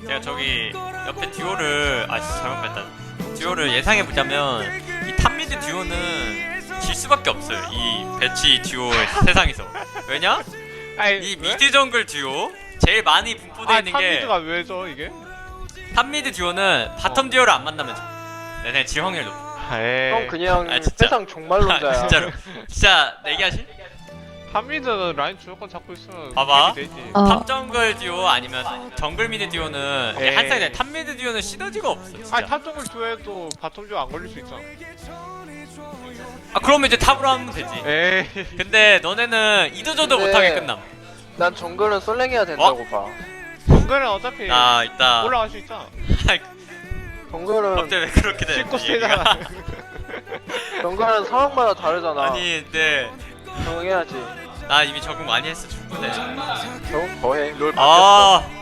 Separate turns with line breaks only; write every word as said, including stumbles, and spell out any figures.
내가 저기 옆에 듀오를 아 진짜 잘못 봤다. 듀오를 예상해 보자면 이 탑미드 듀오는 질 수밖에 없어요. 이 배치 듀오 세상에서. 왜냐?
아니,
이
왜?
미드 정글 듀오 제일 많이 분포되어
아,
있는 게
탑미드가 왜죠 이게?
탑미드 듀오는 바텀
어.
듀오를 안 만나면 져. 내내 질 확률 높아.
에이.
형 그냥
아, 진짜.
세상 종말론자야.
아, 진짜로. 진짜 내기하실?
탑미드는 라인 주도권 잡고 있으면
봐봐.
게임이 되지.
어.
탑 정글 듀오 아니면 정글 미드 듀오는 이게
에이.
한 사이다. 탑 미드 듀오는 시너지가 없어. 진짜.
아니 탑정글 듀에도 바텀 듀안 걸릴 수 있잖아.
아 그러면 이제 탑으로 하면 되지.
에이.
근데 너네는 이도저도
근데-
못하게 끝남.
난 정글은 솔랭해야 된다고 봐.
정글은 어차피
나 이따
올라갈 수 있잖아.
정글은
갑자기 왜 그렇게 돼?
씻고
얘기가?
세잖아.
정글은 상황마다 다르잖아.
아니 근데
적응해야지.
나 이미 적응 많이 했어 충분해.
적응 더해. 롤 바뀌었어.
아